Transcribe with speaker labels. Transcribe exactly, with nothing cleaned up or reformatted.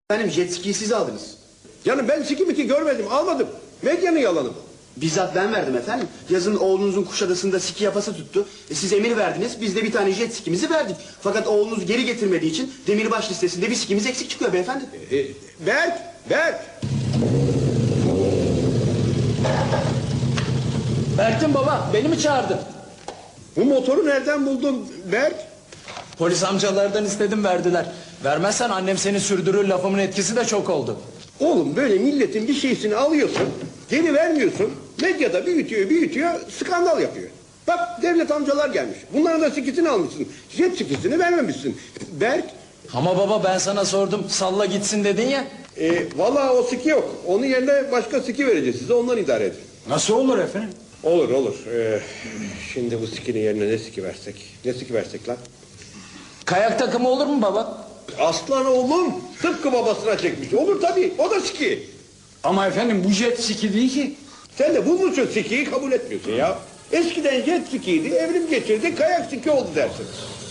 Speaker 1: Efendim jet ski'yi siz aldınız.
Speaker 2: Canım ben siki miki görmedim, almadım. Medyanın yalanı bu.
Speaker 1: Bizzat ben verdim efendim. Yazın oğlunuzun Kuşadası'nda ski yapası tuttu. E, siz emir verdiniz, biz de bir tane jet skimizi verdik. Fakat oğlunuz geri getirmediği için demirbaş listesinde bir skimiz eksik çıkıyor beyefendi.
Speaker 2: E, Berk, Berk.
Speaker 3: Berk'tim baba, beni mi çağırdın?
Speaker 2: Bu motoru nereden buldun Berk?
Speaker 3: Polis amcalardan istedim, verdiler. Vermezsen annem seni sürdürür, lafımın etkisi de çok oldu.
Speaker 2: Oğlum böyle milletin bir şeysini alıyorsun, geri vermiyorsun. Medyada büyütüyor, büyütüyor, skandal yapıyor. Bak devlet amcalar gelmiş. Bunların da sikisini almışsın. Jet sikisini vermemişsin. Berk,
Speaker 3: Ama baba ben sana sordum, salla gitsin dedin ya.
Speaker 2: e, vallahi o siki yok. Onun yerine başka siki vereceğiz size, ondan idare edin.
Speaker 3: Nasıl olur efendim?
Speaker 2: Olur olur. Ee, şimdi bu sikinin yerine ne siki versek? Ne siki versek lan?
Speaker 3: Kayak takımı olur mu baba?
Speaker 2: Aslan oğlum tıpkı babasına çekmiş. Olur tabii, o da siki.
Speaker 4: Ama efendim bu jet ski değil ki.
Speaker 2: Sen de bunun için sikiyi kabul etmiyorsun ya. Eskiden jet sikiydi, evrim geçirdi, kayak siki oldu dersin.